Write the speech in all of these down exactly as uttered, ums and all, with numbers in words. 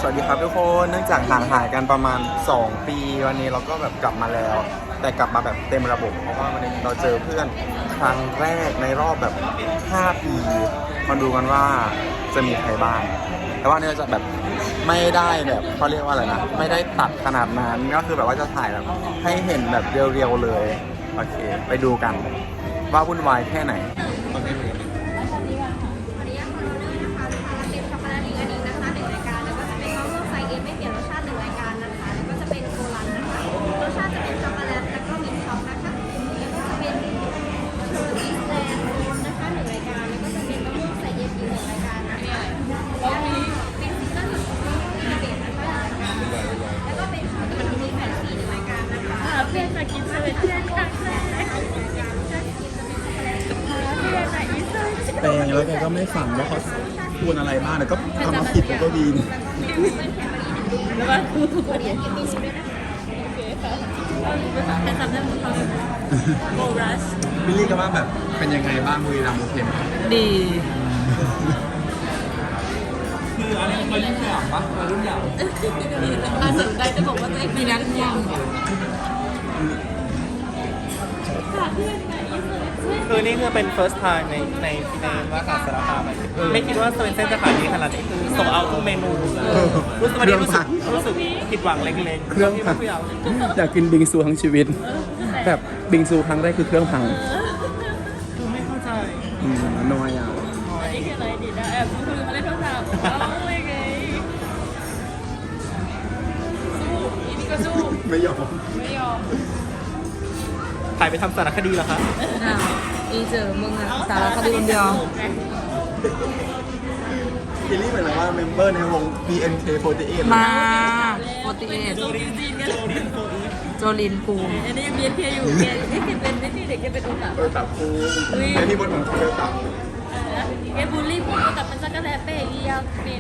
สวัสดีครับทุกคนเนื่องจากห่างหายกันประมาณสองปีวันนี้เราก็แบบกลับมาแล้วแต่กลับมาแบบเต็มระบบเพราะว่าวันนี้เราเจอเพื่อนครั้งแรกในรอบแบบห้าปีมาดูกันว่าจะมีใครบ้างแต่ว่าเนี่ยจะแบบไม่ได้แบบเขาเรียกว่าอะไรนะไม่ได้ตัดขนาดนั้นก็คือแบบว่าจะถ่ายแบบให้เห็นแบบเรียวๆเลยโอเคไปดูกันว่าวุ่นวายแค่ไหนเพื่อนมากินเซเว่นเพื่อนครั้งแรกแต่แล้วแกก็ไม่ฟังว่าเขาพูดอะไรบ้างแต่ก็ทำมาผิดแล้วก็วีนแล้วก็วันนี้กินมีชิมด้วยนะคะโอเคค่ะแต่ทำได้หมดเลยโบรัสบิลลี่ก็ว่าแบบเป็นยังไงบ้างบุรีรัมย์โอเคไหมดีคืออันนี้เรายิ่งใหญ่ปะเรารุ่นใหญ่ถ้าสนใจจะบอกว่าตัวเองมีนักเรียนคือนี่คือเป็น first time ในในในมหาสารคามไม่คิดว่าสเวนเซ่นจะขายดีขนาดนี้คือส่งเอาทุกเมนูรู้สึกวันนี้รู้สึกรู้สึกผิดหวังเล็กๆเครื่องพังอยากกินบิงซูทั้งชีวิตแบบบิงซูครั้งแรกคือเครื่องพังคือไม่เข้าใจอืมน้อยอ่ะนี่คืออะไรดีนะแอบคุยมาเล่นโทรศัพท์เอาเลยไงสู้อีนี่ก็สู้ไม่ยอมไม่ยอมถ่ายไปทำสารคดีเหรอคะอ้าวอีเจอมึงอะสารคดีคนเดียวบิลลี่เหมือนว่าเมมเบอร์ในวง บี เอ็น เค สี่สิบแปดมาสี่สิบแปดโจลินโจลินกูอันนี้ยังเบียนเพียอยู่แกไม่เคยเป็นไม่ที่เด็กแกเป็นอุตะเออตับกูไอที่บนของเธอตับแกบูลลี่พูดแต่มันจะกระแทกเป๊ะอีอ่ะเป็น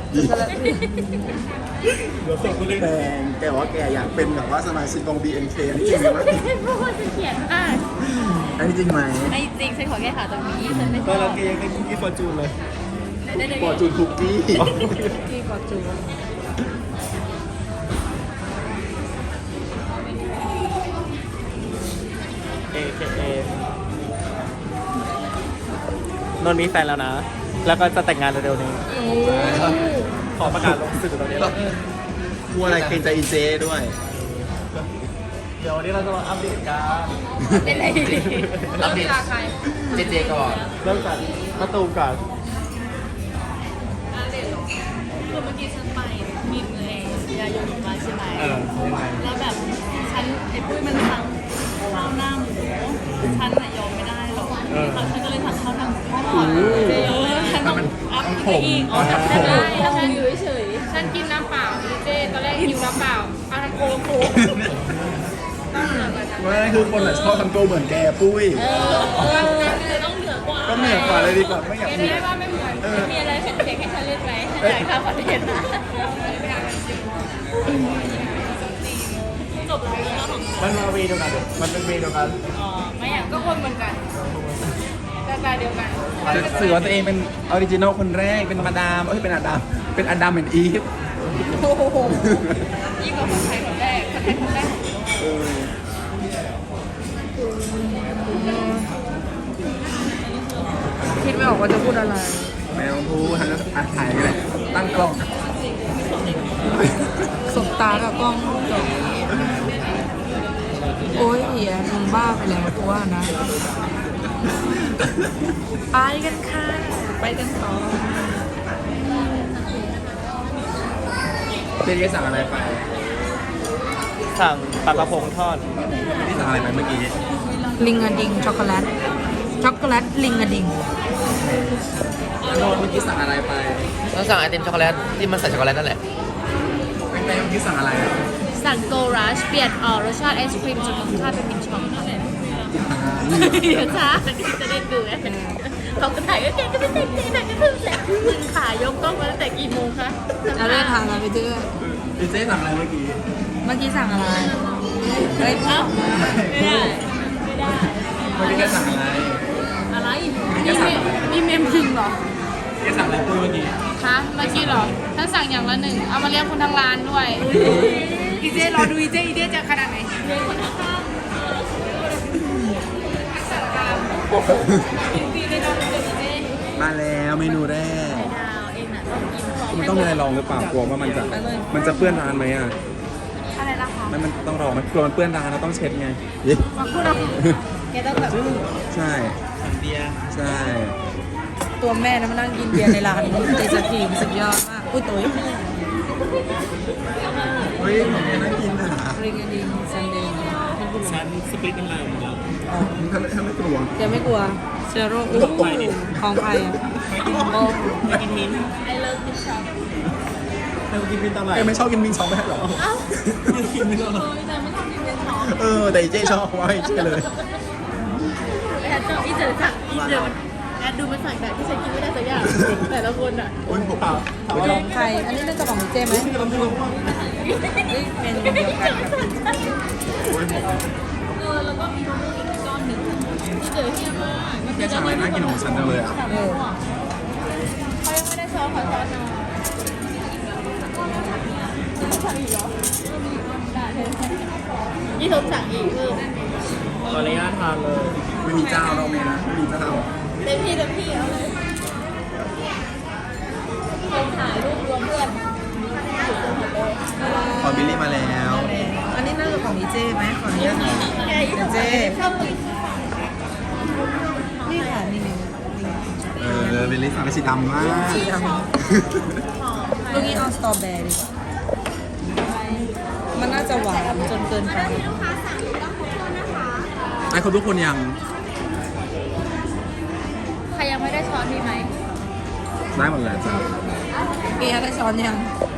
เดี๋ยวส่งกูเลยแดงแกว่าแกอยากเป็นแบบว่าสมาชิกวง บี เอ็น เค อันนี้จริงไหมวะเพราะว่าฉันเขียนอ่ะอันนี้จริงไหมไม่จริงฉันขอแก้ข่าวตรงนี้ฉันไม่ชอบเราแกยังได้คุกกี้ฟอร์จูนเลยฟอร์จูนคุกกี้กี้ฟอร์จูนเอเคเอนนท์มีแฟนแล้วนะ แล้วก็จะแต่งงานเร็วๆนี้ขอประกาศลงสื่อตรงนี้แล้วกลัวอะไรเกรงใจอีเจด้วยเดี๋ยววันนี้เราจะมาอัปเดตกันเป็นอะไรอัปเดตใครเจเจก่อนเริ่มจากมาตูมก่อนอัปเดตหรอคือเมื่อกี้ฉันไปมีเงินยาโยนมาใช่ไหมแล้วแบบฉันไอ้ปุ้ยมันสั่งข้าวหน้าหมูฉันน่ะยอมไม่ได้หรอกฉันก็เลยสั่งข้าวหน้าหมูทอดเจเยอะฉันต้องอัพไปอีกอ๋อทำได้ถ้าฉันอยู่เฉยฉันกินน้ำเปล่าเจตอนแรกหิวน้ำเปล่าเอาน้ำโค้กโค้กว่าคือคนชอบทำตัวเหมือนแกปุ้ยเออต้องเหนือกว่าก็เหนือกว่าเลยดีกว่าไม่อยากมีได้ว่าไม่เหมือนมีอะไรเผ็ดๆให้ฉันเล่นไหมฉันอยากทำคอนเทนต์นะจบแล้วของมันมาเวเดียวกันมันเป็นเวเดียวกันอ๋อไม่อยากก็คนเหมือนกันหน้าตาเดียวกันสื่อว่าตัวเองเป็นออริจินอลคนแรกเป็นมาดามเอ้ยเป็นอาดัมเป็นอาดัมเป็นอีฟโอ้โหยิ่งกว่าคนไทยคนแรกคนไทยคนแรกคิดไม่ออกว่าจะพูดอะไรไม่ต้องพูดทางก็ถ่ายกันเลยตั้งกล้องสบตากับกล้องจบโอ้ยเหี้ยมึงบ้าไปแล้วตัวนะไปกันค่ะไปกันต่อเจ๊สั่งอะไรไปสั่งปลากระพงทอดที่สั่งอะไรไปเมื่อกี้ลิงอะดิงช็อกโกแลตช็อกโกแลตลิงอะดิงโดนเมื่อกี้สั่งอะไรไปเราสั่งไอติมช็อกโกแลตที่มันใส่ช็อกโกแลตนั่นแหละเป็นไงเมื่อกี้สั่งอะไรสั่งโกรัชเปลี่ยนออกรสชาติไอศครีมจนรสชาติเป็นมินช็อกนั่นแหละช้าจะได้ดูเขาก็ถ่ายก็เก่งก็ไม่เก่งเก่งแต่ก็คือแหละมึงขายกกล้องมาตั้งแต่กี่โมงคะเราได้ทางอะไรไปเจอพี่เจ๊สั่งอะไรเมื่อกี้เมื่อกี้สั่งอะไรเฮ้ยเอ้าไม่ได้ไม่ได้เมื่อกี้แกสั่งอะไรอะไรมีมีเมมจริงเหรอแกสั่งอะไรปุ้ยเมื่อกี้ฮะเมื่อกี้เหรอถ้าสั่งอย่างละหนึ่งเอามาเลี้ยงคนทั้งร้านด้วยอีเจรอดูอีเจอีเจจะขนาดไหนเลี้ยงคนทั้งร้านกินฟรีเลยนะอีเจมาแล้วเมนูแรกดาวเองน่ะต้องกินของมันต้องมีอะไรลองหรือเปล่ากลัวว่ามันจะมันจะเปื้อนร้านไหมอ่ะอะไรล่ะคะไม่มันต้องรอมันกลัวมันเปื้อนร้านเราต้องเช็ดไงมาพูดเราแกต้องแบบใช่สั่งเบียร์ใช่ตัวแม่นะมานั่งกินเบียร์ในร้านเจสกีมสุดยอดมาก อุ้ยตุ๋ยเฮ้ยของแกน่ากินอ่ะริงอดิงซันเดย์ฉันสปริตน้ำลายหมดแล้วถ้าไม่ถ้าไม่กลัวแกไม่กลัวเชื้อโรคอู้ของใครอ่ะโอ้ไม่กินมิ้นท์ไอเลิฟดิช็อปไม่กินมิ้นท์ตอนไหนแกไม่ชอบกินมิงซองไหมหรอเอ้าไม่กินมิ้นท์ตอนไหนเออแต่ไม่ทำกินเป็นของเออแต่อีเจ๊ชอบว่าอีเจ๊เลยแอดเจออีเจอสั่งอีเจอแอดดูมันสั่งแบบที่ฉันกินไม่ได้สักอย่างแต่ละคนอ่ะอุ้ยผมเปล่าของใคร อันนี้น่าจะของเจไหมนี่เมนูเดียวกันกับเออแล้วก็มีมะม่วงอีกก้อนหนึ่งที่เจอเฮียมากแกสั่งอะไรน่ากินของฉันจังเลยอ่ะเออเขายังไม่ได้ช้อนขอช้อนหน่อยสั่งอีกเหรอได้เลยยี่ทบสั่งอีกเพิ่มขออนุญาตทานเลยไม่มีเจ้าเราเมนะไม่มีเจ้าเต็มที่เต็มที่เอาเลยคนถ่ายรูปรวมเพื่อนพอบิลลี่มาแล้วอันนี้น่าจะของอีเจไหมขออนุญาตหน่อยแกอยู่เจชอบกินนี่ค่ะนี่นี่เออบิลลี่สั่งสีดำมากสีดำลูกนี้เอาสตรอเบอร์รี่มันน่าจะหวานจนเกินไปไอ้คนทุกคนยังใครยังไม่ได้ช้อนมีไหมได้หมดแล้วจ้าเกียร์ได้ช้อนยัง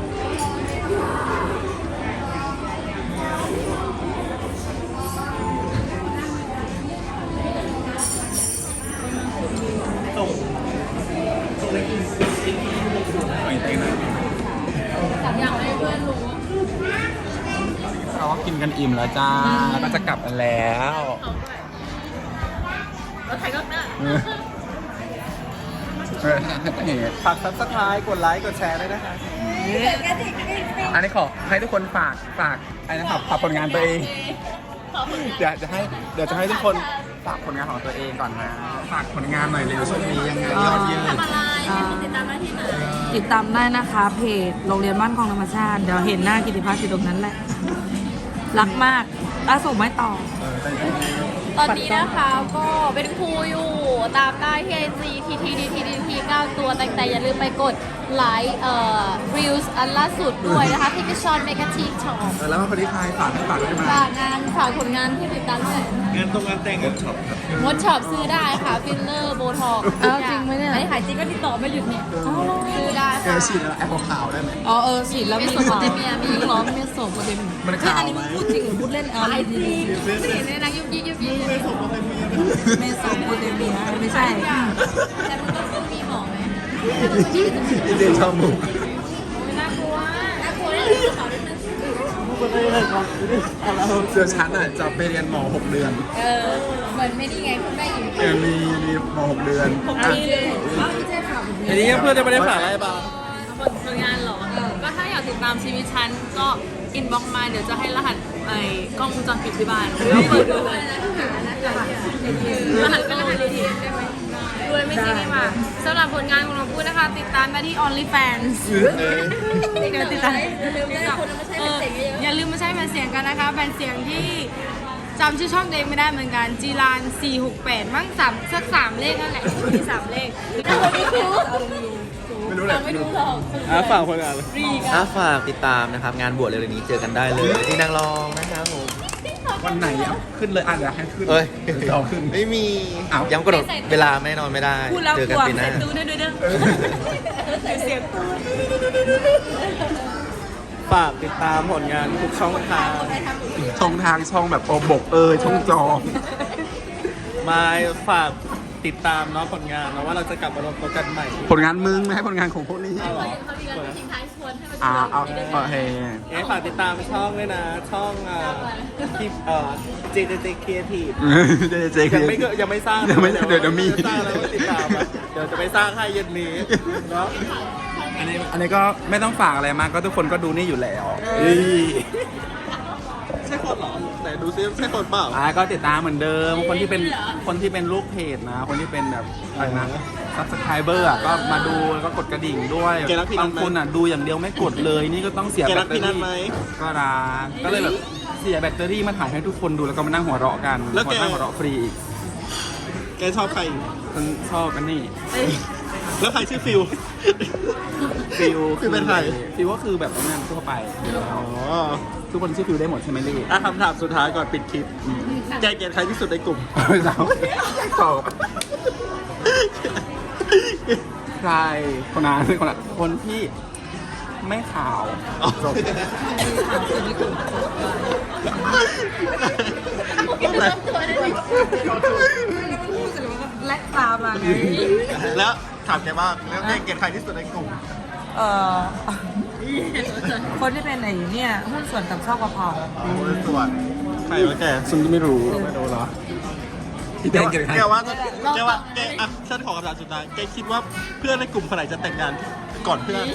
ส่งส่งอะไรกินไม่เต้นนะอยากให้เพื่อนรู้เราก็กินกันอิ่มแล้วจ้าแล้วก็จะกลับกันแล้วเขาด้วยเราถ่ายก็ได้เออเออเห็นฝากซับสไครต์กดไลค์ กดแชร์ด้วยนะคะอันนี้ขอให้ทุกคนฝากฝากไอ้นะครับฝากผลงานตัวเองขอบคุณเดี๋ยวจะให้เดี๋ยวจะให้ทุกคนฝากผลงานของตัวเองก่อนนะฝากผลงานหน่อยเร็วช่วงนี้ยังไงยอดเยอะทำอะไรให้คนติดตามได้ที่ไหนติดตามได้นะคะเพจโรงเรียนบ้านคลองธรรมชาติ เดี๋ยวเห็นหน้ากิติพัฒน์อยู่ตรงนั้นแหละ รักมากล่าสุดไม่ต่อเออแต่ตอนนี้นะคะก็เป็นครูอยู่ตามได้ที่ไอจีทีทีดีทีดีทีเก้าตัวแต่แต่อย่าลืมไปกดไลค์เอ่อรีวิวอันล่าสุดด้วยนะคะที่พิชอนเมกาทีช็อปเออแล้วมาคนที่ใครฝากให้ฝากได้ไหมฝากงานฝากผลงานที่ติดตามด้วยงานตรงงานแต่งงานช็อปครับมดช็อปซื้อได้ค่ะฟิลเลอร์โบท็อกซ์อ้าวจริงไหมเนี่ยอันนี้ขายจริงก็ติดต่อไม่หยุดเนี่ยซื้อได้แกค่ะฉีดแล้วแอปขาวได้ไหมอ๋อเออฉีดแล้วไม่มีสมบูรณ์เมียมีมีร้อนเมียโสมโปรตีนมันขาวไหมพูดจริงหรือพูดเล่นเอาขายจริงไม่เห็นเลยนะยุบยิบยุบยิบไม่ส่งมาเป็นเมียนะเมโสมโปรตีนมีนะไม่ใช่แต่มันก็มีหมอไหมอีเจนชอบมุกน่ากลัวน่ากลัวเลยกระเป๋าด้วยนะเดี๋ยวฉันอ่ะจะไปเรียนหมอหกเดือนเออเหมือนไม่ดีไงคุณแม่หญิงเออมีมีหมอหกเดือนอันนี้เลยว่าพี่เจ๊ข่าวอันนี้เพื่อนจะไม่ได้ฝากอะไรบ้างผลงานเหรอก็ถ้าอยากติดตามชีวิตฉันก็อินบ็อกมาเดี๋ยวจะให้รหัสไอ้กล้องวงจรปิดที่บ้านแล้วเปิดดูเลยรหัสก็รหัสดีๆได้ไหมด้วยไม่ใช่นี่มาสำหรับผลงานของเราพูดนะคะ ติดตามได้ที่ OnlyFans เดี๋ยวติดตามเอออย่าลืมมาใช้แผ่นเสียงกันนะคะแผ่นเสียงที่จำชื่อช่องตัวเองไม่ได้เหมือนกันจีรานสี่หกแปดมั่งสามสักสามเลขนั่นแหละมีสามเลขไม่รู้ไม่รู้แหละไม่รู้หรอกอ่ะฝากผลงานเลยรีถ้าฝากติดตามนะครับ งานบวชเร็วๆนี้เจอกันได้เลยที่นางรองนะครับผมวันไหนอ่ะขึ้นเลยอ่ะเดี๋ยวให้ขึ้นเอ้ยเราขึ้นไม่มีอ้าวย้ำกำหนดเวลาไม่นอนไม่ได้พูดแล้วเจอก กันลัวปีหน้าดูด้วยด้วยด้วยเสียงตูนฝากติดตามผลงานทุกช่องทางช่องทางช่องแบบโอบกเอยช่องจอมาฝากติดตามเนาะผลงานเนาะว่าเราจะกลับมารวมตัวกันใหม่ผลงานมึงไม่ให้ผลงานของพวกนี้เอาเหรอเขามีการทิ้งท้ายชวนให้มาอ่าชวนเอาโอเคเอ๊ะฝากติดตามช่องด้วยนะ ช่องอ่าคลิปเอ่อ เจ เจ เจ Creative เจเจยังไม่เกิดยังไม่สร้างยังไม่เดี๋ยวเดี๋ยวมีสร้างแล้วก็ติดตามอะเดี๋ยวจะไปสร้างให้เย็นนี้เนาะอันนี้อันนี้ก็ไม่ต้องฝากอะไรมากก็ทุกคนก็ดูนี่อยู่แล้วใช่คนเหรอไหนดูซิใช่คนเปล่าอ่าก็ติดตามเหมือนเดิม คนที่เป็นคนที่เป็นลูกเพจนะ คนที่เป็นแบบอะไรนะซับสไครเบอร์อ่ะก็มาดูแล้วก็กดกระดิ่งด้วยแกรักพี่นับาทงไหมคนอ่ะดูอย่างเดียวไม่กดเลยนี่ก็ต้องเสียแกแบรัตกเตอพี่นัทรี่ไหมก็รักก็เลยแบบเสียแบตเตอรี่มาถ่ายให้ทุกคนดูแล้วก็มานั่งหัวเราะกันแล้วแกมานั่งหัวเราะฟรีอีกแกชอบใครฉันชอบกันนี่แล้วใครชื่อฟิลฟิลฟิลเป็นใครฟิลก็คือแบบนั้นทั่วไปอ๋อทุกคนชื่อฟิลได้หมดใช่ไหมลี่อ่ะคำถามสุดท้ายก่อนปิดคลิป แกเกลียดใครที่สุดในกลุ่มสาวตอบใครคนนั้นคนนั้นคนที่ไม่ขาวจบและตามมาไงแล้วถามแกว่าแล้วแกเกลียดใครที่สุดในกลุ่มเอ่อ คนที่เป็นไอ้เนี่ยหุ้นส่วนกับช่อกะเพราโอ้ยส่วนใครวะแกฉันไม่รู้ไม่รู้เหรอพี่แกแดงว่าเกิดใครแกว่าแกว่าแกอ่ะฉันขอคำถามสุดท้ายแกคิดว่าเพื่อนในกลุ่มคนไหนจะแต่งงานก่อนเพื่อน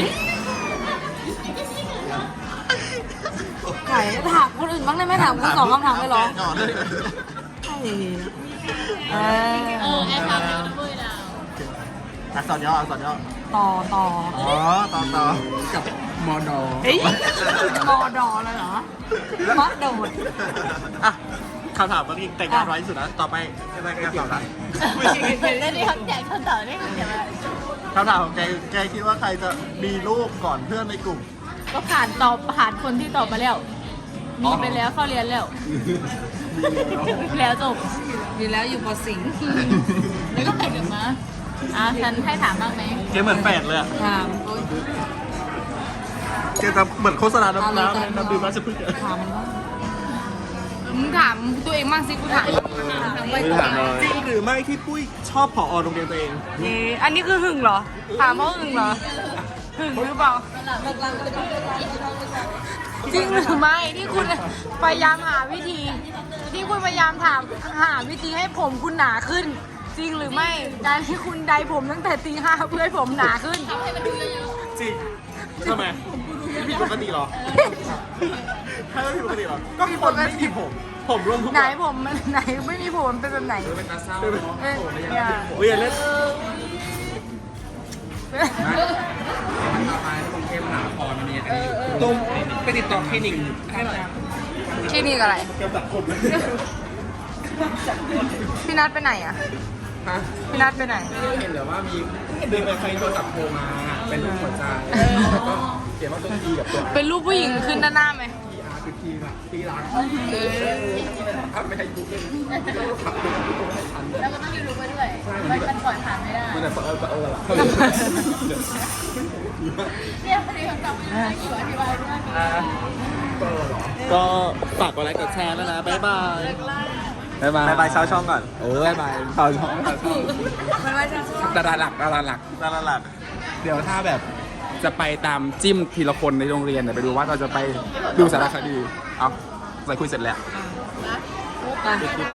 ไข่ถามคนอื่นบ้างได้ไหมถามคุณสองคำถามไปหรอแกก่อนเลยไข่เอเอออแอนทำเป็นด้วยดาวอักษรย่ออักษรย่อต่อต่ออ๋อต่อต่อกับมอดอเฮ้ยมอดอเลยเหรอมอดโดดอ่ะคำถามเมื่อกี้แต่งงานไว้ที่สุดนะต่อไปอะไรกันต่อนะแล้วนี่เขาแจกคำตอบได้คำตอบอะไรคำถามของแกแกคิดว่าใครจะมีลูกก่อนเพื่อนในกลุ่มก็ผ่านตอบผ่านคนที่ตอบมาแล้ว มีไปแล้วเข้าเรียนแล้ว แล้วจบดีแล้วอยู่ปอสิงห์แล้วก็แต่งกันมาอ่ะฉันให้ถามบ้างไหมแกเหมือนแฝดเลยอะถามโอ๊ยแกจะเหมือนโฆษณาเอาน้ำเลยน้ำน้ำดื่มราชพฤกษ์อะถามมันว่ามึงถามตัวเองบ้างสิกูถามถามไปไม่ถามเลยจริงหรือไม่ที่ปุ้ยชอบผอโรงเรียนตัวเองเอ๊ะอันนี้คือหึงเหรอ ถามว่าหึงเหรอ หึงหรือเปล่า จริงหรือไม่ที่คุณพยายามหาวิธี ที่คุณพยายามถามหาวิธีให้ผมคุณหนาขึ้น จริงหรือไม่การที่คุณไดผมตั้งแต่ตีห้าเพื่อให้ผมหนาขึ้นจริงทำไมผิดปกติเหรอถ้าไม่ผิดปกติเหรอก็คนไม่มีผม ผมร่วมทุกไหนอย่างผมมันไหนไม่มีผมเป็นแบบไหนเป็นตาเศร้าเอ้ยอย่าโอ้ยอย่าเล่นต่อไปกรุงเทพมหานครมันมีอันนี้ตรงไปติดต่อคลินิกให้หน่อยที่นี่อะไรเกี่ยวกับคนพี่นัทไปไหนอ่ะฮะพี่นัทไปไหนเห็นเหรือว่ามีเดินไปใครโทรศัพท์โทรมาเป็นรูปหัวใจแล้วก็เขียนว่าตัวทีกับตัวเป็นรูปผู้หญิงขึ้นด้านหน้าไหมทีอาร์คือทีแบบทีรักถ้าไม่ให้ยุบเลยขับตัวไม่ทันแล้วก็ต้องมีรู้ไปด้วยมันมันปล่อยผ่านไม่ได้มันจะเออเออเนี่ยพอดีคำตอบไม่ได้อยู่อธิบายด้วยก็ฝากกดไลค์กดแชร์แล้วนะ บ๊ายบายบ๊ายบายบ๊ายบายชาวช่องก่อนเออบ๊ายบายชาวช่องชาวช่องมันไม่ใช่ดาราหลักดาราหลักตลาดหลักเดี๋ยวถ้าแบบจะไปตามจิ้มทีละคนในโรงเรียนเดี๋ยวไปดูว่าเราจะไปดูสารคดี เอาใส่คุยเสร็จแล้วไป